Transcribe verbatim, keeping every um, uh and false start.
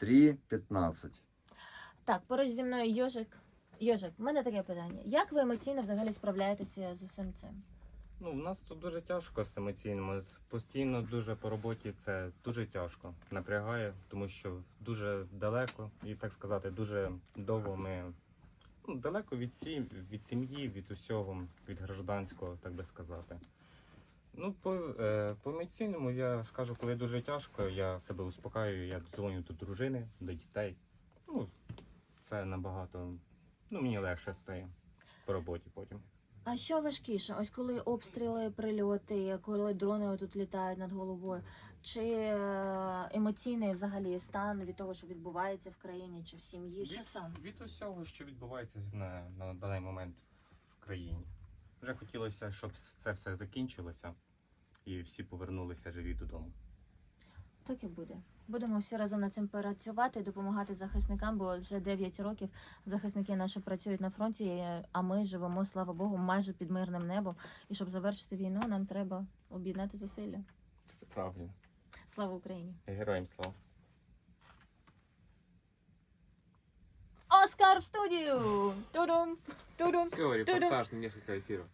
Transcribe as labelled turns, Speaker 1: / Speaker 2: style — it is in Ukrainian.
Speaker 1: три п'ятнадцять.
Speaker 2: Так, поруч зі мною Йожик. Йожик, в мене таке питання. Як ви емоційно взагалі справляєтеся з усім цим?
Speaker 3: Ну, в нас тут дуже тяжко з емоційними. Постійно дуже по роботі це дуже тяжко. Напрягає, тому що дуже далеко, і так сказати, дуже довго ми ну, далеко від сім, від сім'ї, від усього, від гражданського, так би сказати. Ну, по, е, по емоційному я скажу, коли дуже тяжко, я себе успокаюю, я дзвоню до дружини, до дітей. Ну, це набагато, ну, мені легше стає по роботі потім.
Speaker 2: А що важкіше? Ось коли обстріли, прильоти, коли дрони тут літають над головою, чи е, емоційний взагалі стан від того, що відбувається в країні чи в сім'ї? Що
Speaker 3: Від,
Speaker 2: саме?
Speaker 3: від усього, що відбувається на, на даний момент в країні. Вже хотілося, щоб це все закінчилося і всі повернулися живі додому.
Speaker 2: Так і буде. Будемо всі разом над цим працювати і допомагати захисникам, бо вже дев'ять років захисники наші працюють на фронті, а ми живемо, слава Богу, майже під мирним небом. І щоб завершити війну, нам треба об'єднати зусилля.
Speaker 3: Все правильно.
Speaker 2: Слава Україні!
Speaker 3: Героям слава.
Speaker 2: Оскар в студию! Тудум! Тудум!
Speaker 4: Все, репортаж на несколько эфиров.